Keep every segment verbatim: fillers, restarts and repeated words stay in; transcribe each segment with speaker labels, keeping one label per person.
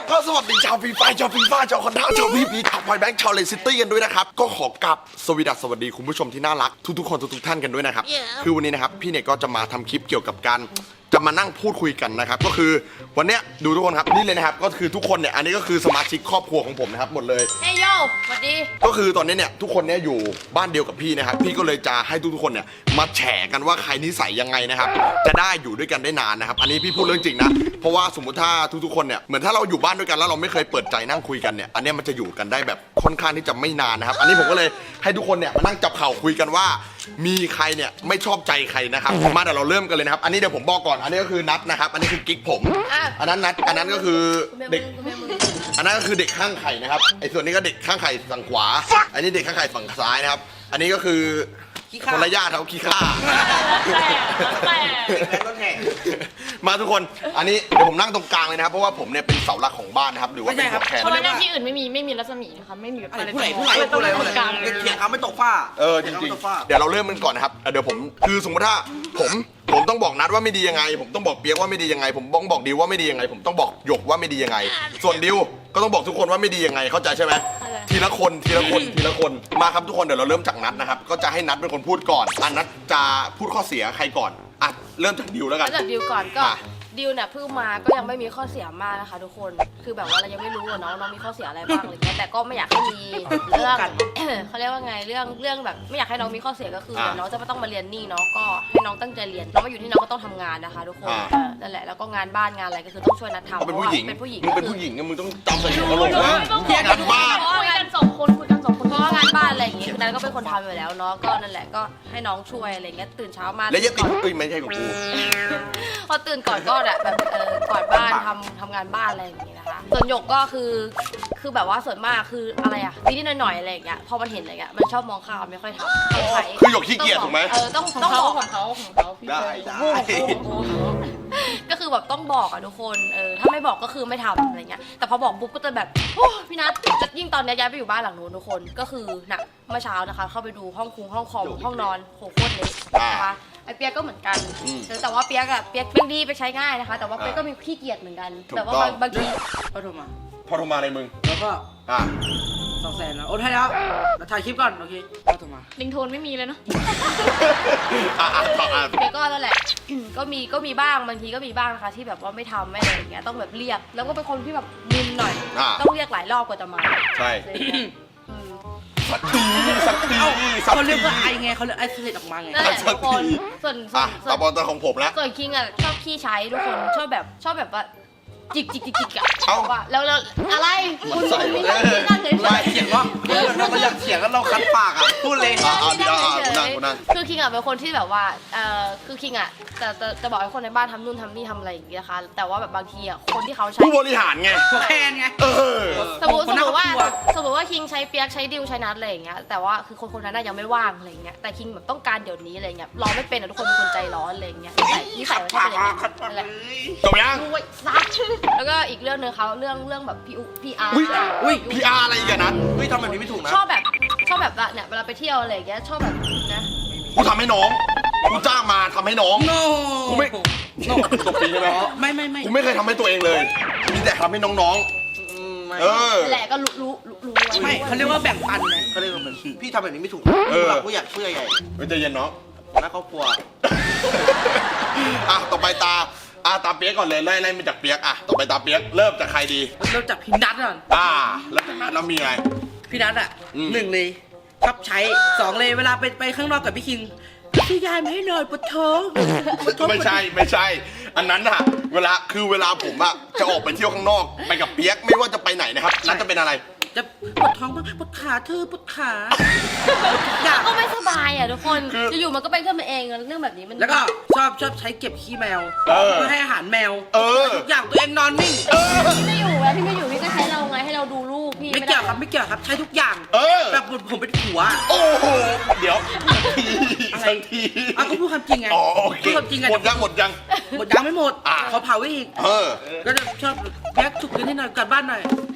Speaker 1: ก็สวัสดีชาวฟรีไฟชาวฟรีไฟชาวคอนด้าชาวพีพีชาวพอยแบงค์ชาวเลซิตี้กันด้วยนะครับก็ขอกราบสวัสดีสวัสดีคุณผู้ชมที่น่ารักทุกๆคนทุกๆท่านกันด้วยนะครับ yeah. คือวันนี้นะครับพี่เนี่ยก็จะมาทำคลิปเกี่ยวกับการจะมานั่งพูดคุยกันนะครับก็คือวันเนี้ยดูทุกคนครับนี่เลยนะครับก็คือทุกคนเนี่ยอันนี้ก็คือสมาชิกครอบครัวของผมนะครับหมดเลย
Speaker 2: เฮ้ยโยสวัสดี
Speaker 1: ก็คือตอนนี้เนี่ยทุกคนเนี่ยอยู่บ้านเดียวกับพี่นะครับพี่ก็เลยจะให้ทุกๆคนเนี่ยมาแฉกันว่าใครนิสัยยังไงนะครับจะได้อยู่ด้วยกันได้นานนะครับอันนี้พี่พูดเรื่องจริงนะเพราะว่าสมมติถ้าทุกๆคนเนี่ยเหมือนถ้าเราอยู่บ้านด้วยกันแล้วเราไม่เคยเปิดใจนั่งคุยกันเนี่ยอันนี้มันจะอยู่กันได้แบบค่อนข้างที่จะไม่นานนะครับอันนี้ผมก็เลยให้ทุกคนเนี่ยมานั่งจับเข่าคุยกันว่ามีใครเนี่ยไม่ชอบใจใครนะครับมาเดี๋ยวเราเริ่มกันเลยนะครับอันนี้เดี๋ยวผมบอกก่อนอันนี้ก็คือนัทนะครับอันนี้คือกิ๊กผมอันนั้นนัทอันนั้นก็คือเด็กอันนั้นก็คือเด็กข้างไข่นะครับไอ้ส่วนนี้ก็เด็กข้างไข่ฝั่งขวาอันนี้เด็กข้างไข่ฝั่งซ้ายนะครับอันนี้ก็คือคนละญาติเขาขี้ข้ามาทุกคนอันนี้เดี๋ยวผมนั่งตรงกลางเลยนะครับเพราะว่าผมเนี่ยเป็นเสาหลักของบ้านนะครับหรือว่าเป็นหัวแขน
Speaker 2: เพราะว่าที่อื่นไม่มีไม่มีรัศมีนะคะไม่มีแบบอะไร
Speaker 3: ผู้ใหญ่ผู้ใหญ่ผู้ใหญ่ผู้ใหญ่เถียงเขาไม่ตกฝ้า
Speaker 1: เออจริงๆเดี๋ยวเราเริ่มกันก่อนนะครับเดี๋ยวผมคือสมมติถ้าผมผมต้องบอกนัดว่าไม่ดียังไงผมต้องบอกเปียกว่าไม่ดียังไงผมต้องบอกดิวว่าไม่ดียังไงผมต้องบอกหยกว่าไม่ดียังไงส่วนดิวก็ต้องบอกทุกคนว่าไม่ดียังไงเข้าใจใช่ไหมทีละคนทีละคนทีละคนมาครับทุกคนเดี๋ยวเราเริ่มจากนัดนะครับก็จะให้นัดเป็นคนพูดก่อนอันนัดจะพูดข้อเสียใครก่อนอ่ะเริ่มจากดิวแล้วกัน
Speaker 2: เริ่มจากดิวก่อนก็ดิวเนี่ยเพิ่งมาก็ยังไม่มีข้อเสียมากนะคะทุกคนคือแบบว่าเรายังไม่รู้ว่าน้องน้องมีข้อเสียอะไรบ้างอะไรเงี้ยแต่ก็ไม่อยากให้มีเรื่องเขาเรียกว่าไงเรื่องเรื่องแบบไม่อยากให้น้องมีข้อเสียก็คือน้องจะไม่ต้องมาเรียนนี่เนาะก็ให้น้องตั้งใจเรียนน้องมาอยู่ที่น้องก็ต้องทำงานนะคะทุกคนนั่นแหละแล้วก็งานบ้านงานอะไรก็คือต้องช่วยนัดทำเพราะว่าเป็นผู้หญิงมึง
Speaker 1: เป็นผู้หญิงมึงต้องจำใส่หัวกะโหลกนะงานบ้าน
Speaker 2: คุยกันสองคนคุยกันสองคนเพราะว่างานบ้านอะไรอย่างเงี้ยคือนัทก็เป็นคนทำอยู่แล้วเนาะก็นั่นแหละก็ให้น้องช่วยอะไรเงี้ยตื่นเช้ามา
Speaker 1: แล้วยังติดตุ้ยไม่ใช่ของกู
Speaker 2: พอตื่นก่อนก็แบบเออกวาดบ้านทำทำงานบ้านอะไรอย่างเงี้ยนะคะส่วนหยกก็คือคือแบบว่าส่วนมากคืออะไรอะนิดๆหน่อยๆอะไรอย่างเงี้ยพอมันเห็นอะไรเงี้ยมันชอบมองข้ามไม่ค่อยทำ
Speaker 1: คือหยกขี้เกียจถูกไหม
Speaker 2: เออต้องต้องบอกของเขาของเขา
Speaker 1: ได้ได้
Speaker 2: ก็คือแบบต้องบอกอะทุกคนเออถ้าไม่บอกก็คือไม่ทำอะไรเงี้ยแต่พอบอกปุ๊บก็จะแบบโอ้พี่นัทจะยิ่งตอนนี้ย้ายไปอยู่บ้านหลังนู้นทุกคนก็คือน่ะเมื่อเช้านะคะเข้าไปดูห้องคุงห้องคอมห้องนอนโหโคตรเล็กนะคะไอเปียกก็เหมือนกันแต่ว่าเปียกอะเปียกเป็นดีไปใช้ง่ายนะคะแต่ว่าเปียกก็มีขี้เกียจเหมือนกันแต่ว่าบางที
Speaker 3: พอโทรมา
Speaker 1: พอโทรมาอะไรมึง
Speaker 3: แล้วก็
Speaker 1: อ่ะ
Speaker 3: สองแสนแล้วโอนให้แล้วเราถ่ายคลิปก่อนโอเคพอโทรมา
Speaker 2: ลิงโทนไม่มีเลยเนาะ
Speaker 1: อ่ะอ่ะอ่ะ
Speaker 2: เปียกก็นั่นแหละก็มีก็มีบ้างบางทีก็มีบ้างนะคะที่แบบว่าไม่ทำไม่อะไรอย่างเงี้ยต้องแบบเรียกแล้วก็เป็นคนที่แบบมึนหน่อยต้องเรียกหลายรอบกว่าจะมา
Speaker 1: ใช่สักทีสักที
Speaker 3: เขาเรียกว่าไอไงเขาเรียกไอเสร็จออกมาไง
Speaker 2: ทุกคนส่วนส่วน
Speaker 1: ต่อบอลตัวของผมแล้ว
Speaker 2: ส่วนคิงอ่ะชอบขี้ใช้ทุกคนชอบแบบชอบแบบว่าจิกจิกจิกจิกอะเอาว่าแล้วแล้วอะไรคุณมีนั่งมีนั่งเฉย
Speaker 3: ๆเถียงว่าเราก็อยากเถียงกันเราคัดปากอ่ะพูดเลย
Speaker 1: เอาดีเอาเอานั่งนั่ง
Speaker 2: คือคิงอ่ะเป็นคนที่แบบว่าเอ่อคือคิงอ่ะจะจะจะบอกให้คนในบ้านทำนู่นทำนี่ทำอะไรอย่างเงี้ยนะคะแต่ว่าแบบบางทีอ่ะคนที่เขาใช้
Speaker 1: ผู้บริหารไง
Speaker 3: ผู้แทนไง
Speaker 1: เออ
Speaker 2: สมมติสมมติว่าสมมติว่าคิงใช้เปียกใช้ดิวใช้นัทอะไรอย่างเงี้ยแต่ว่าคือคนคนนั้นยังไม่ว่างอะไรอย่างเงี้ยแต่คิงแบบต้องการเดี๋ยวนี้อะไรเงี้ยรอไม่เป็นอ่ะทุกคนเป็นคนใจร้อนอะไรอย่างเงี้ยนิสัยมันเป็นอย่างเงี้ยนั่นแหละ
Speaker 1: จบยัง
Speaker 2: ซัดแล้วก็อีกเรื่องนึงเขาเรื่องเรื่องแบบพี่พี่อาร์
Speaker 1: อุ้ยพี่อาร์อะไรกันนะ
Speaker 3: เฮ้ยทำแบบนี้ไม่ถูกนะ
Speaker 2: ชอบแบบชอบแบบเนี่ยเวลาไปเที่ยวอะไรอย่างเงี้ยชอบแบบนะ
Speaker 1: กูทำให้น้องกูจ้างมาทำให้น้องกูไม่ตบตีใช่ไหม
Speaker 3: ไม่ไม่ไม่
Speaker 1: กูไม่เคยทำให้ตัวเองเลยมีแต่ทำให้น้องๆเออ
Speaker 2: แหละก็รู้รู้รู้
Speaker 3: ไม่เขาเรียกว่าแบ่งปันไงเขาเรียกว่าเหมือนพี่ทำแบบนี้ไม่ถูกหลักผู้ใหญ่ผู้ใหญ่ใหญ่
Speaker 1: ไม่ใจเย็นน้อง
Speaker 3: นะครอบครัว
Speaker 1: อ่ะต่อไปตาอ่ะตาเปียกก่อนเลยไล่ไล่มาจากเปียกอ่ะต่อไปตาเปียกเริ่มจากใครดี
Speaker 3: เริ่มจากพี่นัทก่อน
Speaker 1: อ่าแล้วจากนั้นเรามีไง
Speaker 3: พี่นัทอ่ะหนึ่งเลยชอบใช้สองเลยเวลาไปไปข้างนอกกับพี่คิงพี่ยายไม่ให้หน่อยปวดท้อง
Speaker 1: ไม่ใช่ไม่ใช่อันนั้นอะเวลาคือเวลาผมอะจะออกไปเที่ยวข้างนอกไปกับเปียกไม่ว่าจะไปไหนนะครับนั่นจะเป็นอะไร
Speaker 3: จะปวดท้องบ้างปวดขาเธอปวดขา
Speaker 2: ก็ไม่สบายอ่ะทุกคนจะอยู่มันก็เป็นขึ้นมาเองเรื่องแบบนี้มัน
Speaker 3: แล้วก็ชอบชอบใช้เก็บขี้แมวเพื่อให้อาหารแมวทุกอย่างตัวเองนอนนิ่ง
Speaker 2: พี่ไม่อยู่แล้วพี่ไม่อยู่พี่ก็ใช้เราไงให้เราดูลูกพี่
Speaker 3: ไม่เกี่ยวครับไม่เกี่ยวครับใช้ทุกอย่างแบบผมเป็นผัว
Speaker 1: โอ้โหเดี๋ยวสักที
Speaker 3: อ่ะก็พูดความจริงไง
Speaker 1: พูดความจริงไงหมดยังหมดยัง
Speaker 3: หมดยังไม่หมดขอเผาไว้อีกก็จะชอบแยกฉุกเฉินนิดหน่อยกลับบ้านหน่อยเ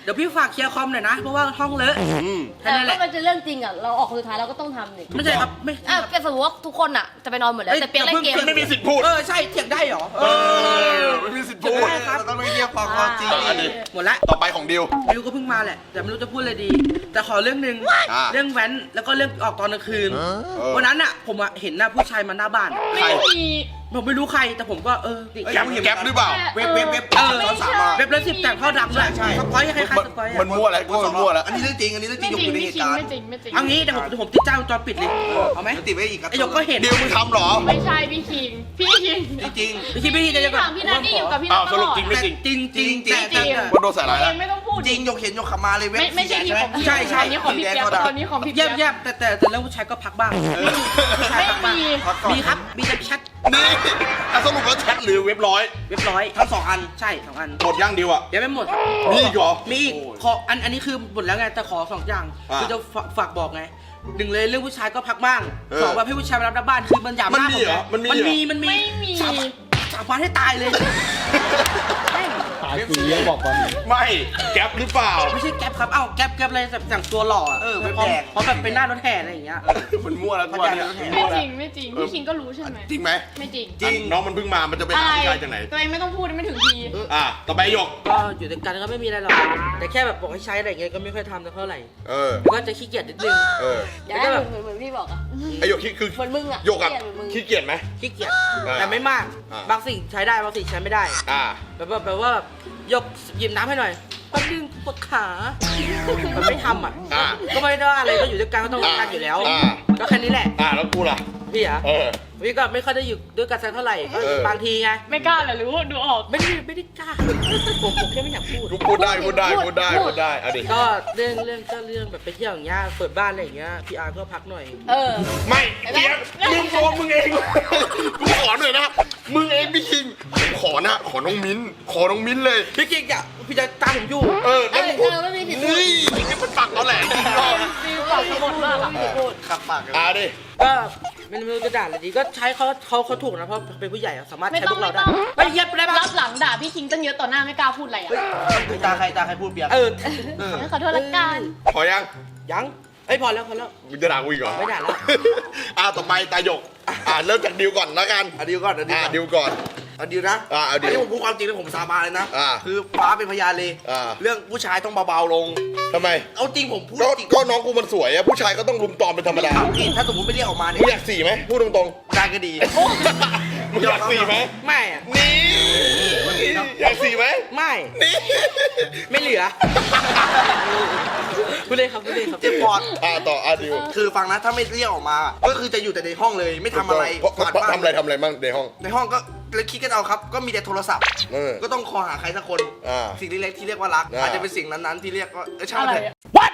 Speaker 3: ดี๋ยวพี่ฝากเคลียร์คอมหน่อยนะเพราะว่าห้องเลอะ
Speaker 1: อืม
Speaker 3: แค่
Speaker 2: แต่
Speaker 3: นั้นแห
Speaker 2: ถ้า
Speaker 3: ละ
Speaker 2: มันจะเรื่องจริงอ่ะเราออกสุดท้ายเราก็ต้องทำนี่
Speaker 3: ไม่ใช่ครับไม่
Speaker 2: อ่ะเป็นสมมติว่าทุกคนอ่ะจะไปนอนหมดแล้วแต่เปียกเล่นเกม
Speaker 1: ไม่มีสิทธิ์พูด
Speaker 3: เออใช่เถียงได้เหรอ
Speaker 1: เออไม่มีสิทธิ์พูด
Speaker 3: ได้ครับ
Speaker 4: เราต้องไม่เรียกความความจริง
Speaker 1: อ่ะดิ
Speaker 3: หมดละ
Speaker 1: ต่อไปของดิว
Speaker 3: ดิวก็เพิ่งมาแหละแต่ไม่รู้จะพูดอะไรดี แต่ขอเรื่องหนึ่ง
Speaker 1: อ่า
Speaker 3: เรื่องแว้นแล้วก็เรื่องออกตอนกลางคืน
Speaker 1: เออ
Speaker 3: วันนั้นอ่ะผมอะเห็นหน้าผู้ชายมาหน้าบ้าน
Speaker 1: ใคร
Speaker 3: ผมไม่รู้ใครแต่ผมก็เออดิ
Speaker 1: แก๊ปแก๊ปหรือเปล่า
Speaker 4: เว็บเว็บเว็บ
Speaker 3: เออ
Speaker 4: ตอนสามมา
Speaker 3: เว็บละสิบแต่งเข้าดังด้วย
Speaker 4: ใช่
Speaker 3: สปอยให้ใครๆสปอย
Speaker 1: มัน
Speaker 3: อะ
Speaker 1: มั่วแล้วกูมันมั่วแล้ว
Speaker 4: อันนี้เรื่องจริงอันนี้เรื่องจริ
Speaker 5: ไม่
Speaker 4: ง
Speaker 5: จ
Speaker 4: ย
Speaker 5: ริ
Speaker 4: ก
Speaker 5: ง
Speaker 4: อยู่ใน
Speaker 5: ไม่
Speaker 4: เห
Speaker 5: จริ
Speaker 4: ตุ
Speaker 5: ง
Speaker 4: การณ์
Speaker 5: ไม่จริงไม่จริง
Speaker 3: เอางี้เดี๋ยวผมเดี๋ยวผมติดจ้างวงจรปิดเลยเอาไหม
Speaker 4: เดี๋ยวติดไว้อีกครับ
Speaker 3: ไอ้หยกก็เห็น
Speaker 1: ดิวมึงทำเหรอ
Speaker 5: ไม่ใช่พี่คิงพี่คิง
Speaker 4: จริง
Speaker 3: พี่คิดพี่คิดจะ
Speaker 5: พี่
Speaker 3: แบบ
Speaker 5: ถามพี่นัทนี่อยู่กับพี่นั
Speaker 1: อ้าว
Speaker 5: ท
Speaker 1: ส
Speaker 5: ต
Speaker 1: รุ
Speaker 5: ล
Speaker 1: ป
Speaker 5: อด
Speaker 1: จริงไม่จริง
Speaker 3: จริงจริง
Speaker 4: จริง
Speaker 3: แต่
Speaker 5: จริง
Speaker 3: แต่
Speaker 1: ว่าโดนใส่
Speaker 5: ตั
Speaker 1: ร้า
Speaker 5: วย เอ
Speaker 1: แล้ว
Speaker 5: งไม่ต้องพูด
Speaker 4: จริงยกเห็นยกขับมาเลยเว็บ
Speaker 5: ไม่ไม่ใช่นี่ของพี่
Speaker 3: ใช่ใช่
Speaker 5: ตอนนี้ของพี่เปียกตอนนี้ของพี่
Speaker 3: เยี่
Speaker 5: เปี
Speaker 3: ย
Speaker 5: ย
Speaker 3: ม
Speaker 5: ก
Speaker 3: เยี่ยมแต่แต่แต่เรื่องผู้ชายก็พักบ้างผู้ชาย
Speaker 5: ไม่
Speaker 3: พักบ้าง
Speaker 5: มี
Speaker 3: มีครับมีแต่แชท
Speaker 1: นี่อ่ะสรุปว่าแชทหรือเว็บร้อย
Speaker 3: เรียบร้อย
Speaker 4: ทั้งสองอัน
Speaker 3: ใช่สองอัน
Speaker 1: หมดย่างดิวอ่ะ
Speaker 3: ยังไม่หมด
Speaker 1: มีอีกเหรอ
Speaker 3: มีอีกขออันอันนี้คือหมดแล้วไงแต่ขอสองอย่าง
Speaker 1: อ่า
Speaker 3: คือจะฝากฝากบอกไงหนึ่งเลยเรื่องผู้ชายก็พักบ้าง
Speaker 1: เออ
Speaker 3: สองว่าให้ผู้ชายมารับหน้าบ้านคือมันหยาบ
Speaker 1: มัน
Speaker 3: มาก
Speaker 1: มีเหรอ
Speaker 3: ผ
Speaker 1: มันมี
Speaker 3: มัน
Speaker 1: เหรอ
Speaker 3: มีมันมี
Speaker 5: ไม่มี
Speaker 3: สาบสาบานให้ตายเลยแม่ง
Speaker 6: ตายฟรีแล้วบอกก่อน
Speaker 1: ไม่แก๊ปหรือเปล่า
Speaker 3: ไม่ใช่แก๊ปครับเอ้าแก๊ปแก๊ปอะไรแบบแต่งตัวหล่ออะ
Speaker 4: เออเว็บ
Speaker 3: พร้อม
Speaker 4: แดก
Speaker 3: พร้อมแบบเป็นหน้ารถแห่อะไรอย่างเงี้ย
Speaker 1: มันมั่วแล้วตัวเนี่ย
Speaker 5: ไม่จริงไม่จริงพี่คิงก็รู้ใช่ไหม
Speaker 1: จริงไหม
Speaker 5: ไม่จริง
Speaker 1: จริงน้องมันเพิ่งมามันจะไป
Speaker 5: อะ
Speaker 1: หา
Speaker 5: ไร
Speaker 1: ผู้ชายจากไหน
Speaker 5: ตัวเองไม่ต้องพูดไม่ถึงที
Speaker 1: อ่ะต่อไปหยก
Speaker 3: ก็อยู่ด้วยกันก็ไม่มีอะไรหรอกแต่แค่แบบบอกให้ใช้อะไรอย่างเงี้ยก็ไม่ค่อยทำสักเท่าไหร่
Speaker 1: เออ
Speaker 3: แล้วก็จะขี้เกียจนิดนึง
Speaker 1: เออ
Speaker 2: อย่าให้เหมือนเหมือนเหมือนพี่บอกอ่ะ
Speaker 1: ไอหยกคิดคือ
Speaker 2: เหมือนมึงอะ
Speaker 1: หยกอะ
Speaker 2: เกลียดเหมือนมึง
Speaker 1: ขี้เกียจไหม
Speaker 3: ขี้เกียจ
Speaker 1: อ่า
Speaker 3: แต่ไม่มาก
Speaker 1: อ่า
Speaker 3: บางสิ่งใช้ได้บางสิ่งใช้ไม่ได้
Speaker 1: อ่า
Speaker 3: แบบว่าแบบว่าแบบยกหยิบน้ำให้หน่อยแป๊บนึงปวดขามันไม่ทำอ่ะ
Speaker 1: อ่า
Speaker 3: ก็ไม่ได้ว่าอะไรก็อยู่ด้วยกันก็ต้องรักกันอยู่แล้ว
Speaker 1: อ่า
Speaker 3: ก็แค่นี้แหละ
Speaker 1: อ่าแล้วกูล่ะ
Speaker 3: พี่อ่ะ
Speaker 1: เออ
Speaker 3: พี่ก็ไม่ค่อยได้อยู่ด้วยกันสักเท่าไหร่ก็
Speaker 1: เออ
Speaker 3: บางทีไง
Speaker 5: ไม่กล้าเหรอรู้ดูออก
Speaker 3: ไม่ได้ไม่ได้กล้าผมผมแค่ไม่อยากพูด
Speaker 1: กูพูดได้พูดได้พูดได้พูดได้เอาดิ
Speaker 3: ก็เรื่องเรื่องก็เรื่องแบบไปเที่ยวอย่างเงี้ยเปิดบ้านอะไรอย่างเงี้ยพี่อาร์ก็พักหน่อย
Speaker 2: เออ
Speaker 1: ไม่เปียกมึงตัวมึงเองกูขอหน่อยนะมึงเองพี่คิงผมขอนะขอน้องมิ้นขอน้องมิ้นเลย
Speaker 3: พี่กิ๊กอ่ะพี่จะตามผมอยู่
Speaker 1: เออแล้วมึงพูด
Speaker 2: เออไม่มีสิทธิ์พูด
Speaker 1: นี่นี่มันปักเราแหละจริงๆ
Speaker 5: ฟิลปากสมดมากอะ
Speaker 2: พูด
Speaker 4: ขับปากกัน
Speaker 1: อ่าดิ
Speaker 3: ก็ไม่รู้จะด่าอะไรดีก็ใช้เขาเขาเขาถูกนะเพราะเป็นผู้ใหญ่อะสามารถ
Speaker 5: ไม่
Speaker 3: ใช้
Speaker 5: ต้
Speaker 3: พ
Speaker 5: อง
Speaker 3: วก
Speaker 5: ไม่
Speaker 3: เราได้
Speaker 5: ต้อง
Speaker 3: ไม่เย็บได้ปะ
Speaker 5: รับหลังด่าพี่คิงตั้งเยอะต่อหน้าไม่กล้าพูดอะไรอ่ะ
Speaker 4: เฮ้ยตาใครตาใครพูดเปียก
Speaker 3: เออ
Speaker 4: เออ
Speaker 5: ขอโทษละกัน
Speaker 1: พอยัง
Speaker 3: ยังเอ้ยพอแล้วพอแล้ว
Speaker 1: มึงจะด่ากูอีกเหรอ
Speaker 3: ไม่ด่าแล้ว
Speaker 1: อ่าต่อไปตาหยกอ่าเริ่มจากดิวก่อนแล้วกัน
Speaker 4: เอาดิวก่อนเอาดิว
Speaker 1: อ่า
Speaker 4: ก่อน
Speaker 1: ดิวก่อน
Speaker 4: เอาดิวนะ
Speaker 1: อ่าเอาดิว
Speaker 4: นนี้ผมพูดความจริงเลยผมสาบานเลยนะ
Speaker 1: อ่า
Speaker 4: คือฟ้าเป็นพยานเลย
Speaker 1: อ่า
Speaker 4: เรื่องผู้ชายต้องเบาๆลง
Speaker 1: ทำไม
Speaker 4: เอาจริงผมพูด
Speaker 1: ก็
Speaker 4: จริง
Speaker 1: ก็น้องกูมันสวยอะผู้ชายก็ต้องรุมตอมเป็นธรรมดา
Speaker 4: เอาจริงถ้าสมมติไม่เรียกออกมาเนี่
Speaker 1: มึง
Speaker 4: ย
Speaker 1: อยากสี่ไหมพูดตรง
Speaker 4: ได้ก็ดี
Speaker 1: ๆมึงอยากสี่ไหม
Speaker 3: ไม่อะ
Speaker 1: นี่อยากสี่ไหม
Speaker 3: ไม่
Speaker 1: นี่
Speaker 3: ไม่เหลือพูดเลยครับพูดเลยครับ
Speaker 4: เจ็บปอด
Speaker 1: อ่าต่ออ่าดิว
Speaker 4: คือฟังนะถ้าไม่เรียกออกมา ก็คือจะอยู่แต่ในห้องเลยไม่ทำอะไร
Speaker 1: เพราะ
Speaker 4: กวาด
Speaker 1: เพราะ
Speaker 4: บ้าน
Speaker 1: ทำอะไรทำอะไรบ้างในห้อง
Speaker 4: ในห้องก็เลยคิดกันเอาครับ ก็มีแต่โทรศัพท์
Speaker 1: เออ
Speaker 4: ก็ต้องคอหาใครสักคน
Speaker 1: อ่า
Speaker 4: สิ่งเล็กๆที่เรียกว่ารัก
Speaker 1: อ่า
Speaker 4: อาจจะเป็นสิ่งนั้นๆที่เรียกว่าเออช่าง
Speaker 5: อะไร
Speaker 4: มันเถอะ
Speaker 5: อะ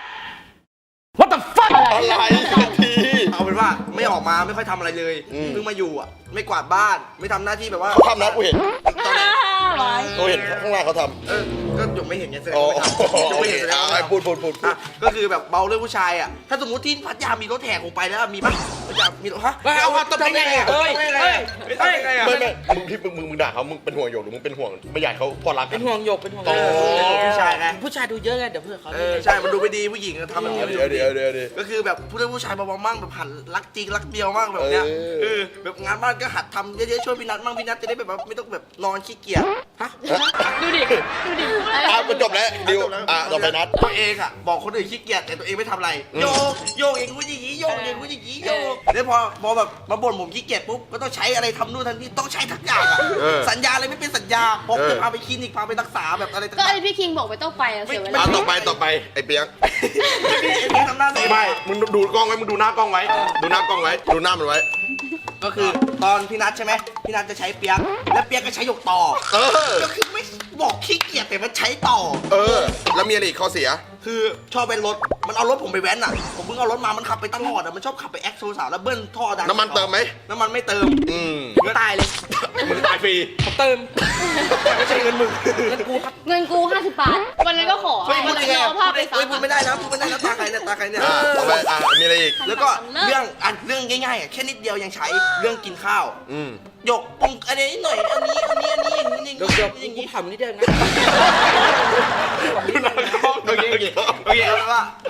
Speaker 3: What the fuck
Speaker 1: อะไรที
Speaker 4: เอาเป็นว่าไม่ออกมาไม่ค่อยทำอะไรเลย
Speaker 1: อืม
Speaker 4: เพิ่งมาอยู่อ่ะไม่กวาดบ้านไม่ทำหน้าที่แบบว่า
Speaker 1: เขาทำนะกูเห็น
Speaker 4: ตอนไหน
Speaker 5: ไว้
Speaker 1: กูเห็นข้างล่างเขาทำ
Speaker 4: เออก็หยกไม่เห็นไงแสดง
Speaker 1: อ๋อ
Speaker 4: ว่าไม่ทำหยก
Speaker 1: โอ
Speaker 4: ไม่
Speaker 1: เค
Speaker 4: เห็นแสดง
Speaker 1: อ่า
Speaker 4: ว่าไม่ทำ
Speaker 1: พูดพูดพูดพูด
Speaker 4: อ่ะก็คือแบบเบาเรื่องผู้ชายอ่ะถ้าสมมติที่พัทยามีรถแห่คงไปแล้วมีปะพัทยามีรถฮะ
Speaker 3: ไม่เอาว่าต้อง
Speaker 4: ทำได้ไงอ่ะ
Speaker 3: เฮ้ย
Speaker 4: ทำได้ไง
Speaker 3: เฮ้ย
Speaker 4: อ่ะทำได้ไงอ่ะ
Speaker 1: ไม่ไม่มึงที่มึงมึงมึงด่าเขามึงเป็นห่วงหยกหรือมึงเป็นห่วงไม่อยากให้เขาพอรักกั
Speaker 3: เป็น นห่วงหยกเป็นห่วง
Speaker 1: อ๋อ
Speaker 4: ผู้ชายไง
Speaker 3: ผู้ชายดูเยอะไงเดี๋ยวเพื่อนเขา
Speaker 4: เออใช่มันดูไม่ดีผู้หญิงอะทำแบบนี้
Speaker 1: เดี๋ยวเดี๋ยวเดี๋ยวเดี๋ยว
Speaker 4: ก็คือแบบผู้เล่นผู้ชายเบาๆมั่งแบบหันรักจริงรักเดียวมั่งแบบเนี้ย
Speaker 1: เออ
Speaker 4: เออแบบงานบ้านก็หัดทำเยอะๆช่วยพี่นัทมั่งพี่นัทจะได้แบบว่าไม่ต้องแบบนอนขี้เกียจ
Speaker 3: ฮะ
Speaker 5: ดูดิดูดิพูดอะไร
Speaker 1: อ่าจบแล้วดิวอ่าต่อไปนัด
Speaker 4: ตัวเองอ่ะบอกคนอื่นขี้เกียจแต่ตัวเองไม่ทำอะไร
Speaker 1: อืม
Speaker 4: โยกโยกเองกูอย่างงี้โยกเองกูอย่างงี้โยกแล้วพอพอแบบมาบ่นผมขี้เกียจปุ๊บก็ต้องใช้อะไรทำนู่นทำนี่ต้องใช้ทุกอย่างอ่ะ
Speaker 1: เออ
Speaker 4: สัญญาอะไรไม่เป็นสัญญาผม
Speaker 1: เออ
Speaker 4: จะพาไปคลินิกพาไปรักษาแบบอะไรต่า
Speaker 2: ก็
Speaker 4: ง
Speaker 2: ไอพี่คิงบอกไม่ต้องไปอะเสียเว
Speaker 1: อ่า
Speaker 2: ลา
Speaker 1: ต่อไปต่อไปไอ้เปียก
Speaker 4: ๆไม่มีไอ้นี่ทำหน้าตัวเอง
Speaker 1: ไม่มึงดูกล้องไว้มึงดูหน้ากล้องไว้ ดูหน้ากล้องไว้ดูหน้ามันไว้
Speaker 4: ก็คือตอนพี่นัทใช่ไหมพี่นัทจะใช้เปียกแล้วเปียกก็ใช้หยกต่อ
Speaker 1: เออ
Speaker 4: ก็คือไม่บอกขี้เกียจแต่มันใช้ต่อ
Speaker 1: เออ แล้วมีอะไรอีกข้อเสีย
Speaker 4: คือชอบเป็นรถ มันเอารถผมไปแว้นอ่ะ ผมเพิ่งเอารถมา มันขับไปตลอดอ่ะ มันชอบขับไปแอคโซสาวแล้วเบิ้ลท่อดัง
Speaker 1: น้ำมันเติมไหม
Speaker 4: น้ำมันไม่เติม
Speaker 1: อืม
Speaker 3: ผมตายเลย
Speaker 1: มึงตายฟรี
Speaker 3: ผมเติมไม่ใช่เงินมึงเงินกูครับ
Speaker 2: เงินกูห้าสิบบาท
Speaker 5: วันนั้นก็ขอ
Speaker 4: เฮ้ย
Speaker 5: วั
Speaker 4: พู
Speaker 5: น
Speaker 4: ด
Speaker 5: นั้น
Speaker 4: ได้ไง
Speaker 5: ก็เอาภาพไปซั
Speaker 4: เฮ้ย
Speaker 5: ก
Speaker 4: พูดไม่ได้นะพูดไม่ได้นะตาใครเนี่ยตาใครเนี่ย
Speaker 1: อ่าต่อไปอ่ามีอะไรอีก
Speaker 4: แล้วก็เรื่องอันเรื่องง่ายๆอ่ะแค่นิดเดียวยังใช้เรื่องกินข้าว
Speaker 1: อืม
Speaker 4: หยกปรุงอันนี้หน่อย อันนี้ อันนี้ อันนี้อย่างนี้อย่าง
Speaker 3: เดี๋ยวเดี๋ยว
Speaker 4: นี้อย่าง
Speaker 3: กู
Speaker 4: นี้
Speaker 3: ถามนิดเดียวนะ
Speaker 1: ดูหน้ากล้อง
Speaker 4: เอ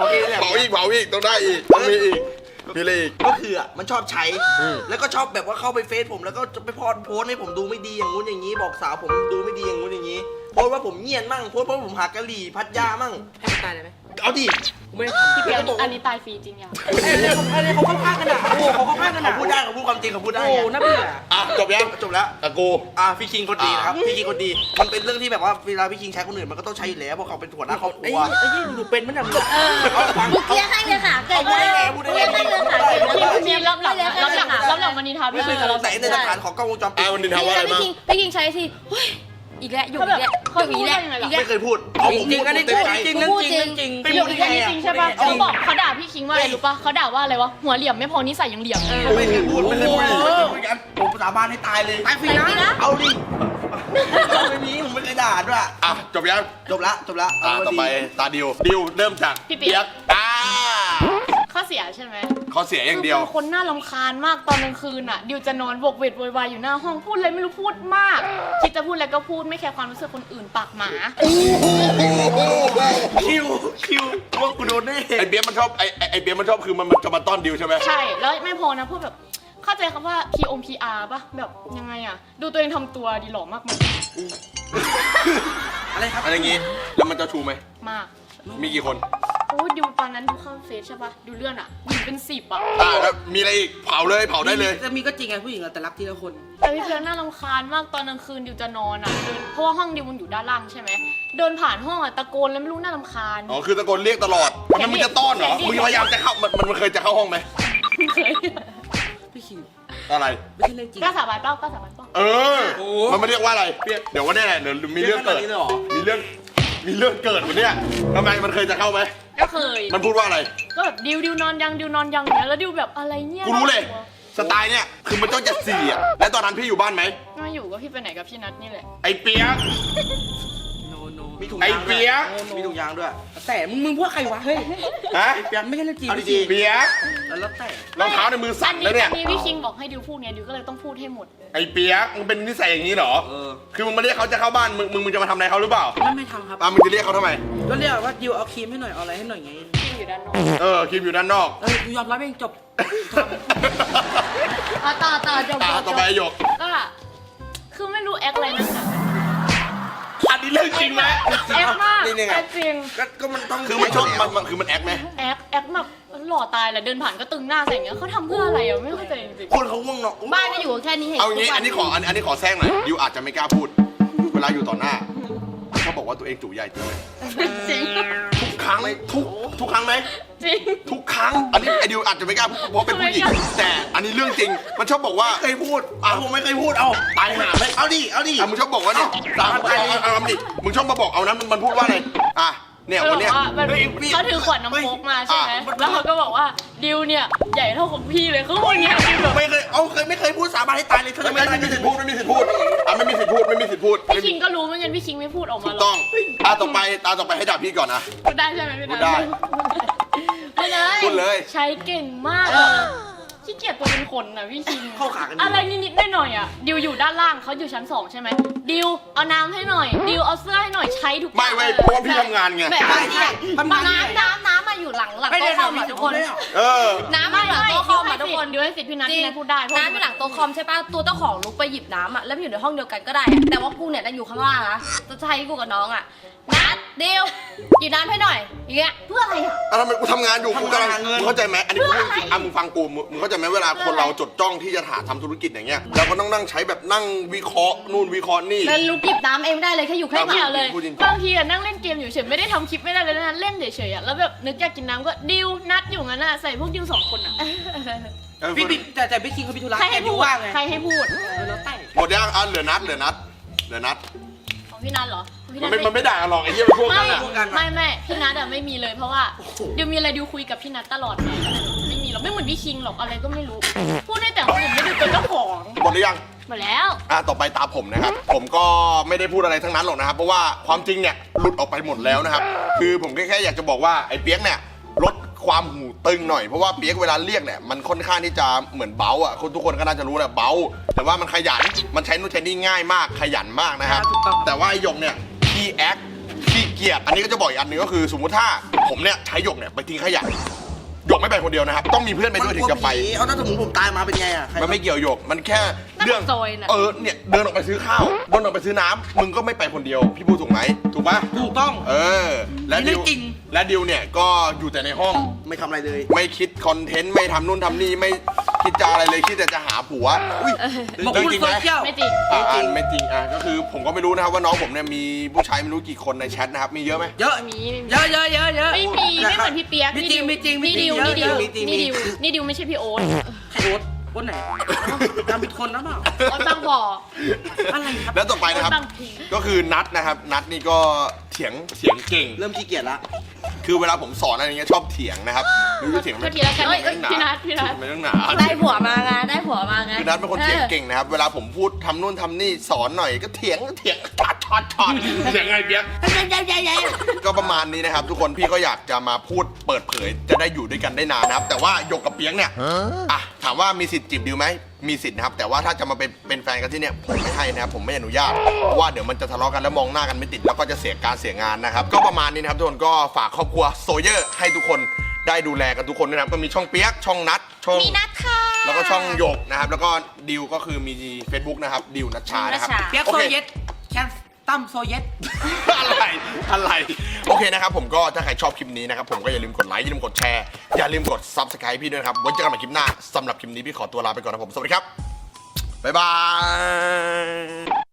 Speaker 4: โอเคเนี่ย
Speaker 1: เผาอีกเผาอีกต้องได้อีกต้องมีอีกมีอะไรอีก
Speaker 4: ก็คืออ่ะมันชอบใช้ แล้วก็ชอบแบบว่าเข้าไปเฟซผมแล้วก็จะไปพอดโพสต์ให้ผมดูไม่ดีอย่างงู้นอย่างนี้ บอกสาวผมดูไม่ดีอย่างงู้นอย่างนี้โพสต์ว่าผมเงียนมั่งโพสต์ว่าผมหักกะหรี่พัดยามั่ง
Speaker 3: ให้มันตายเลยไหม
Speaker 4: เอาดิ
Speaker 3: กูไม่ได้ทำ
Speaker 5: พี่เปียกอันนี้ตายฟรีจริงยัง
Speaker 3: ไอ้เนี่ยเขาไอ้เนี่ยเขาเข้าข้างกันอ่ะโอ้เขาเข้าข้างกัน
Speaker 4: เขา
Speaker 3: อ่ะ
Speaker 4: พูดได้เขาพูดความจริงเขาพูดได้
Speaker 3: โอ้
Speaker 4: ไง
Speaker 3: น่าเบื่อ
Speaker 1: อ่ะจบยัง
Speaker 4: จบแล้ว
Speaker 1: อ่ะกู
Speaker 4: อ่ะพี่คิงคนดีนะครับพี่คิงคนดี มันเป็นเรื่องที่แบบว่าเวลาพี่คิงใช้คนอื่นมันก็ต้องใช้อยู่แล้วเพราะเขาเป็นหัวหน้าครอบค
Speaker 3: ไอ้
Speaker 4: รัว
Speaker 3: ไอ้ยี่หนูเป็นมันอ่ะมึง
Speaker 2: เออมึงเกลียร์ให้เลยค่ะเก่งมาก
Speaker 4: พูด
Speaker 2: เก
Speaker 4: ได้
Speaker 2: ลียร์
Speaker 4: ไง
Speaker 2: ให้เลยค่ะเก่งมาก
Speaker 5: พี่พี่รับหลังรับหลังรับหลังมันนิทา
Speaker 4: ไม่
Speaker 5: พี่
Speaker 4: เค
Speaker 5: คิ
Speaker 4: ย
Speaker 5: ง
Speaker 4: สงสัยในหลักฐานของกล้องวงจรปิ
Speaker 1: อ่ะ
Speaker 4: ด
Speaker 1: วันนี้ทำว่าอะไร
Speaker 2: พี่
Speaker 1: บ้าง
Speaker 2: คิงพี่คิงใช้สิเฮ้ยอีกแล้วอยู่อีกแล้วอยู่อีกแล้วอีกแล้ว
Speaker 4: ไม่เคยพูดเอาผม
Speaker 3: จริง
Speaker 4: พูด
Speaker 3: อันนี้
Speaker 4: เต็มใจ
Speaker 3: จริงเรื่องจริงเรื่องจริง
Speaker 4: ไป
Speaker 5: เดี๋
Speaker 4: พู
Speaker 5: ยว
Speaker 4: ดได้
Speaker 5: อีก
Speaker 4: ไง
Speaker 5: แค่นี้จริงใช่ปะ
Speaker 4: เอา
Speaker 5: เขาบอกเขาด่าพี่คิงว่าอะไรรู้ปะเขาด่าว่าอะไรวะหัวเหลี่ยมไม่พอนิสัยยังเหลี่ยม
Speaker 4: ไม่เคยพูดไม่เคยพูดไม่เคยพูดกันผมสาบานให้ตายเลย
Speaker 3: ตายฟรีนะ
Speaker 4: เอาดิไม่มีผมไม่เคยด่าด้วย
Speaker 1: อ่ะจบยัง
Speaker 4: จบละจบละ
Speaker 1: อ่ะ
Speaker 4: เา
Speaker 1: ต่อไป
Speaker 4: ดี
Speaker 1: ตาดิวดิวเริ่มจาก
Speaker 5: พี่เปียก
Speaker 1: อ่า
Speaker 5: ข้อเสียใช่ไหม
Speaker 1: ข้อเสียอย่างเดียว
Speaker 5: คืเป็นคนน่ารำคาญมากตอนกลางคืนอ่ะดิวจะนอนบกเวทโวยวายอยู่หน้าห้องพูดอะไรไม่รู้พูดมาก คิดจะพูดอะไรก็พูดไม่แคร์ความรู้สึกคนอื่นปากหมา
Speaker 4: คิวคิวว่ากูโดนแน่
Speaker 1: ไอเบียร์มันชอบไอไอ้ไอเบียร์มันชอบคือมันมันจะมาต้อนดิวใช่ไหม
Speaker 5: ใช่แล้วไม่พอนะพูดแบบเข้าใจคำว่า พี โอ พี อาร์ ป่ะแบบยังไงอ่ะ ดูตัวเองทำตัวดีหล่อมากมั้ย
Speaker 4: อะไรครับ
Speaker 1: อะไรอย่างงี้แล้วมันจะชูไหม
Speaker 5: มาก
Speaker 1: มีกี่คน
Speaker 5: โอ้ยดิวตอนนั้นดูเข้าเฟซใช่ป่ะดูเลื่อนอ่ะหญิงเป็นสิบอ่ะ
Speaker 1: อ่าแล้วมีอะไรอีกเผาเลยเผาได้เลย
Speaker 3: จะมีก็จริงไงผู้หญิงอะแต่รักทีละคน
Speaker 5: แต่พี่เพียงน่ารำคาญมากตอนกลางคืนดิวจะนอนอ่ะเดินเพราะว่าห้องดิวมันอยู่ด้านล่างใช่ไหมเดินผ่านห้องอ่ะตะโกนแล้วไม่รู้น่ารำคาญ
Speaker 1: อ๋อคือตะโกนเรียกตลอดทำไมมึงจะต้อนเหรอ
Speaker 5: เสียงดิ
Speaker 1: มึงพยายามจะเข้ามันมันมันเคยจะเข้าห้องไหม
Speaker 5: เคย
Speaker 3: พี่คิง
Speaker 1: อะไร
Speaker 3: ไม่ใช่เรื่องจริง
Speaker 5: กล้าสาบานเปล่ากล้าสาบานเปล่า
Speaker 1: เออ
Speaker 3: โอ้
Speaker 1: มันไม่เรียกว่าอะไรเดี๋ยววันนี้แหละเดี๋ยวมีเรื่องเกิด
Speaker 4: นี้เลยเหรอ
Speaker 1: มีเรื่องมีเรื่องเกิดวันเนี้ยทำไมมันเคยจะเข้าไหม
Speaker 5: ก็เคย
Speaker 1: มันพูดว่าอะไร
Speaker 5: ก็แบบดิวดิวนอนยังดิวนอนยังอย่างเนี้ยแล้วดิวแบบอะไรเนี่ย
Speaker 1: กูรู้เลย สไตล์เนี่ยคือมันต้องจะสี่อ่ะแล้วตอนนั้นพี่อยู่บ้านไหม
Speaker 5: มาอยู่ก็พี่ไปไหนกับพี่นัทนี่แหละ
Speaker 1: ไอ้เปียก
Speaker 3: โนโน
Speaker 4: มีถุง
Speaker 1: ไอ้
Speaker 4: ยาง
Speaker 1: เปี
Speaker 4: ด้วย
Speaker 1: ยก
Speaker 4: มีถุงยางด้วย
Speaker 3: แต่มึงมึงพวกใครวะเฮ้ย
Speaker 1: ฮะ
Speaker 3: ไม่ใช่เรื่องจริง
Speaker 4: เอาดี
Speaker 3: พี่คิง
Speaker 1: เปียก
Speaker 4: แล้วแล้วแต่
Speaker 1: รองเท้าในมือสั่นแล้วเนี่ย
Speaker 5: อันนี้พี่คิงบอกให้ดิวพูดไงดิวก็เลยต้องพูดให้หมด
Speaker 1: ไอ้เปียกมึงเป็นนิสัยอย่างนี้เหรอ
Speaker 4: เออ
Speaker 1: คือมึงมาเรียกเขาจะเข้าบ้านมึงมึงมึงจะมาทำอะไรเขาหรือเปล่า
Speaker 3: ไม่ไม่ทำครับ
Speaker 1: อ่ะมึงจะเรียกเขาทำไม
Speaker 3: ก็เรียกว่าดิวเอาครีมให้หน่อยเอาอะไรให้หน่อยไง
Speaker 5: คิงอยู่ด้านนอก
Speaker 1: เออคลิปอยู่ด้านนอก
Speaker 3: เออกูยอมรับเองจบ
Speaker 2: เอาต่อต่อจบ
Speaker 1: ตา
Speaker 2: จบ
Speaker 1: ต่อไปหยก
Speaker 5: ก็คือไม่รู้แอคอะไรนะ
Speaker 1: อันนี้เรื่องจริงไหม
Speaker 5: แอคมาก
Speaker 1: นี่ไง
Speaker 5: แอคจริง
Speaker 4: ก็ก็มันต้อง
Speaker 1: คือมันชอบมันมันคือมันแอคไหม
Speaker 5: แอคแอคแบบหล่อตายแหละเดินผ่านก็ตึงหน้าใส่อย่างเงี้ยเขาทำเพื่ออะไรอ่ะไม่เข้าใจจริง
Speaker 4: คนเขาง่วงเนาะ
Speaker 2: บ้านก็อยู่แค่นี้เห็น
Speaker 1: เอางี้
Speaker 2: ทุกวั
Speaker 1: อันนี้ขออันอันนี้ขอแซงหน่อยดิวอาจจะไม่กล้าพูด เวลาอยู่ต่อหน้าเขาบอกว่าตัวเองจู่ใหญ่จริงไหม
Speaker 5: จริง
Speaker 1: ทุกครั้งทุกทุกครั้งไหม
Speaker 5: จริง
Speaker 1: ทุกครั้ง อันนี้ไอดิวอาจจะไม่กล้าพูดเพราะเป็นผู้หญิง
Speaker 5: ไม่กล้า
Speaker 1: แต่อันนี้เรื่องจริง มันชอบบอกว่า
Speaker 4: เคยพูดเอาผมไม่เคยพูดเอา
Speaker 1: ตายหาไหม
Speaker 4: เอาดิเอาดิ
Speaker 1: อ่ะมึงชอบบอกว่าเนี่ยตามเอาเอาเอาเอาดิมึงชอบมาบอกเอานะมันมันพูดว่าอะไรอ่ะเนี่ย
Speaker 5: เขาบ
Speaker 1: วั
Speaker 5: อน ก
Speaker 1: เนี้ย
Speaker 5: ว่ามัน
Speaker 4: เฮ้ยพี่
Speaker 5: เขาถือขวดน้ำโค้กมาใช่ไหม
Speaker 1: อ่ะ
Speaker 5: แล้วเขาก็บอกว่าดิวเนี่ยใหญ่เท่าของพี่เลยเขาพูดอย่างเงี้ยดิวแบบ
Speaker 4: ไม่เคยเอาเคยไม่เคยพูดสาบานให้ตายเลยเธอ
Speaker 1: ไม่
Speaker 4: ไม่
Speaker 1: ไม่
Speaker 4: ได้
Speaker 1: ไม่มีสิทธิ์พูดไม่มีสิทธิ์พูดอ่ะไม่มีสิทธิ์พูดไม่มีสิทธิ์พูด
Speaker 5: พี่คิงก็รู้เหมือนกันพี่คิงไม่พูดออก
Speaker 1: ถู
Speaker 5: มาก หร
Speaker 1: ต้
Speaker 5: อ
Speaker 1: อก งตาต่อไปตาต่อไปให้ด่าพี่ก่อนนะ
Speaker 5: พูดได้ใช่ไหมพี่นัท
Speaker 1: พูดได้
Speaker 5: พูดเลย
Speaker 1: พูดเลย
Speaker 5: ใช้เก่งมากอะขี้เกียจตัวเป็นคนนะพี่คิง
Speaker 4: เข้าขากัน
Speaker 5: อะไรนิดๆหน่อยๆอ่ะดิวอยู่ด้านล่างเขาอยู่ชั้นสองใช่ไหมดิวเอาน้ำให้หน่อยดิวเอาเสื้อให้หน่อยใช้ทุก
Speaker 1: ไม่เว้ยเพราะว่าพี่ทำงานไง
Speaker 5: แบบ
Speaker 3: ใช่ใช่ทำงาน
Speaker 2: น้ำน้ำน้ำมาอยู่หลังหลัง
Speaker 3: ไม่ได้
Speaker 2: โต๊ะคอม
Speaker 3: ทำ
Speaker 2: อ่ะ
Speaker 3: ทุ
Speaker 2: ทุ
Speaker 3: ก
Speaker 2: ก
Speaker 3: ค
Speaker 2: คน น
Speaker 3: เลยเหรอ
Speaker 1: เออ
Speaker 2: น้ำมาอยู่หลังโต๊ะคอมอ่ะทุกคน
Speaker 5: ดิวให้สิทธิ์พี่นัท
Speaker 2: จริ
Speaker 5: พี่
Speaker 2: ง
Speaker 5: นัทพูดได้เพราะ
Speaker 2: น้ำอยู่หลังโต๊ะคอมใช่ป่ะตัวเจ้าของลุกไปหยิบน้ำอ่ะแล้วมันอยู่ในห้องเดียวกันก็ได้อะแต่ว่ากูเนี่ยนั่งอยู่ข้างล่างนะจะใช้กูกับน้องอ่ะนัดเดียวหยิบน้ำให้หน่อยอย่างเงี้ยเพื่ออะไรอ่ะ
Speaker 1: อ่ะทำไมกูทำงานอยู่กูกำลัง
Speaker 4: ทำงานหาเงิน
Speaker 1: มึงเข้าใจไหมอันนี้กูพูดจริงๆอ่ะมึงฟังกูมึงมึงเข้าใจไหมเวลาคนเราจดจ้องที่จะหาทำธุรกิจอย่างเงี้ยเราก็ต้องนั่งใช้แบบนั่งวิเคราะห์นู่นวิเคราะห์นี่
Speaker 2: แล้วลุกหยิบน้ำเองไม่ได้เลยแค่อยู่
Speaker 5: ไม่
Speaker 2: ข้างห
Speaker 5: เกี่ย
Speaker 2: ลั
Speaker 5: ว
Speaker 2: ง
Speaker 5: เลย
Speaker 1: พูดจริงๆ
Speaker 5: บางทีอะนั่งเล่นเกมอยู่เฉยไม่ได้ทำคลิปไม่ได้เลยนะเล่นเฉยๆอะแล้วแบบนึกอยากกินน้ำก็ดิวนัดอยู่งั้นอะใส่พวกดิวสองคนอะ
Speaker 1: เออ
Speaker 3: พี่พี่แต่แต่พี่คิงเขาพิธุระ
Speaker 5: ใครให้
Speaker 3: แต่
Speaker 5: พู
Speaker 3: ดิ
Speaker 5: ด
Speaker 3: วว่างไง
Speaker 5: ใครให้พูด
Speaker 3: เออแล้วแต่
Speaker 1: หมดยังอ่ะเหลือนัดเหลือนัดเหลือนัด
Speaker 5: ของพี่นัทเหรอพี่
Speaker 1: มัน
Speaker 5: ท
Speaker 1: ไม่มันไม่ด่ากันหรอกไอ้เหี้ยมันพวก
Speaker 5: ไม่
Speaker 1: นั้นอ่ะ
Speaker 5: ไม่ไม่พี่นัทอะไม่มีเลยเพราะว่าดิวมีอะไรดิวคุยกับพี่นัทตลอดเลยไม่มีหรอกไม่เหมือนพี่คิงหรอกอะไรก็ไม่รู้ พูดได้แต่คนอื่นไม่ดูตัวเจ้าของ
Speaker 1: หมดหรือยัง
Speaker 5: หมดแล้ว
Speaker 1: อ่ะต่อไปตาผมนะครับ ผมก็ไม่ได้พูดอะไรทั้งนั้นหรอกนะครับ เพราะว่าความจริงเนี่ยหลุดออกไปหมดแล้วนะครับ คือผมแค่แค่อยากจะบอกว่าไอ้เปียกเนี่ยลดความหูตึงหน่อยเพราะว่าเปียกเวลาเรียกเนี่ยมันค่อนข้างที่จะเหมือนเบาอ่ะคนทุกคนก็น่าจะรู้แหละเบาแต่ว่ามันขยันมันใช้นู่นใช้นี่ง่ายมากขยันมากนะครับ แต่ว่าไอ้หยกเนี่ยขี้แอคขี้เกียจอันนี้ก็จะบอกอีกอันหนึงก็คือสมมุติถ้าผมเนี่ยใช้หยกเนี่ยไปทิ้งขยะหยกไม่ไปคนเดียวนะครับต้องมีเพื่อนไปด้วยถึงจะไป
Speaker 4: มันกลัวผีเอาถ้าสมมติผมตายมาเป็นไงอ่ะใคร
Speaker 1: มันไม่เกี่ยวหยกมันแค่เรื่อง
Speaker 2: น่าจะซอยน่ะ
Speaker 1: เออเนี่ยเดินออกไปซื้อข้าวเดินออกไปซื้อน้ำมึงก็ไม่ไปคนเดียวพี่พูดถูกไหมถูกปะ
Speaker 4: ถูกต้อง
Speaker 1: เออและ
Speaker 3: นี่
Speaker 1: ดิ
Speaker 3: เรื่
Speaker 1: ว
Speaker 3: องจริง
Speaker 1: และดิวเนี่ยก็อยู่แต่ในห้อง
Speaker 4: ไม่ทำอะไรเลย
Speaker 1: ไม่คิดคอนเทนต์ไม่ทำนู่นทำนี่ไม่คิดจะอะไรเลยคิดแต่จะหาผัวอุ้ย
Speaker 3: บอก
Speaker 1: เรื่อง
Speaker 3: คุณ
Speaker 1: จริง
Speaker 3: โซ
Speaker 1: ไหม
Speaker 3: เชียล
Speaker 5: ไม่จริง
Speaker 1: อ่าอ่านไม่จริงอ่ะก็คือผมก็ไม่รู้นะครับว่าน้องผมเนี่ยมีผู้ชายไม่รู้กี่คนในแชทนะครับมีเยอะไหม
Speaker 3: เยอะ
Speaker 5: มี
Speaker 3: เยอะเยอะเยอะเยอะ
Speaker 5: ไม่มีไม่เหมือนพี่เปียก
Speaker 3: ไม่จริงไม่จริงไม่
Speaker 5: นี่
Speaker 3: จริ
Speaker 5: ดิ
Speaker 3: ง
Speaker 5: วนี่ดิว
Speaker 4: มีจริงมี
Speaker 5: นี่ดิวนี่ดิวไม่ใช่พี่โอ๊ต
Speaker 3: ใครโอ๊ตโอ๊ตไหนจำผิดคนแล้วเปล่า
Speaker 5: โอ๊ตบางบ่อ
Speaker 3: อะไรครับ
Speaker 1: แล้วต่อไปนะครับ
Speaker 5: โอ๊ตบางพี
Speaker 1: ก็คือนัดนะครับนัดนี่ก็เถียงเถียงเก่ง
Speaker 4: เริ่มขี้เกียจละ
Speaker 1: คือเวลาผมสอนอะไรเงี้ยชอบเถียงนะครับรู้จะเถียงไหม
Speaker 5: โทษทีแล้วกัน
Speaker 1: เฮ้ย
Speaker 5: พี่นัทพี่นัท
Speaker 1: ไม่ต้องหนา
Speaker 2: ได้ผัวมาไงได้ผัวมาไง
Speaker 1: คือนัดเป็นคนเถียงเก่งนะครับเวลาผมพูดทำนู่นทำนี่สอนหน่อยก็เถียงเถียงช็อตช็อตช็อตเถียงไงเปียก ก็ประมาณนี้นะครับ ทุกคนพี่ก็อยากจะมาพูดเปิดเผยจะได้อยู่ด้วยกันได้นานนะครับ แต่ว่าหยกกับเปียกเนี่ยอ่ะถามว่ามีสิทธิ์จีบดิวไหมมีสิทธิ์นะครับแต่ว่าถ้าจะมาเป็นเป็นแฟนกันที่เนี่ยผมไม่ให้นะครับผมไม่อนุญาตเพราะว่าเดี๋ยวมันจะทะเลาะกันแล้วมองหน้ากันไม่ติดแล้วก็จะเสียการเสียงานนะครับก็ประมาณนี้นะครับทุกคนก็ฝากครอบครัวโซเยอร์ให้ทุกคนได้ดูแลกันทุกคนด้วยนะครับก็มีช่องเปียกช่องนัดช่อง
Speaker 2: มีนัดค่ะ
Speaker 1: แล้วก็ช่องหยกนะครับแล้วก็ดิวก็คือมี Facebook นะครับดิวนัชชานะครับ
Speaker 2: นัชชา
Speaker 3: เปียก
Speaker 1: โอ
Speaker 3: โซ
Speaker 1: เค
Speaker 3: เยตแคนตั้มโซเยต
Speaker 1: อะไร อะไร โอเคนะครับผมก็ถ้าใครชอบคลิปนี้นะครับผมก็อย่าลืมกดไลค์อย่าลืมกดแชร์ อย่าลืมกด Subscribe พี่ด้วยนะครับไว้เจอกันใหม่คลิปหน้าสำหรับคลิปนี้พี่ขอตัวลาไปก่อนนะผมสวัสดีครับ บ๊ายบาย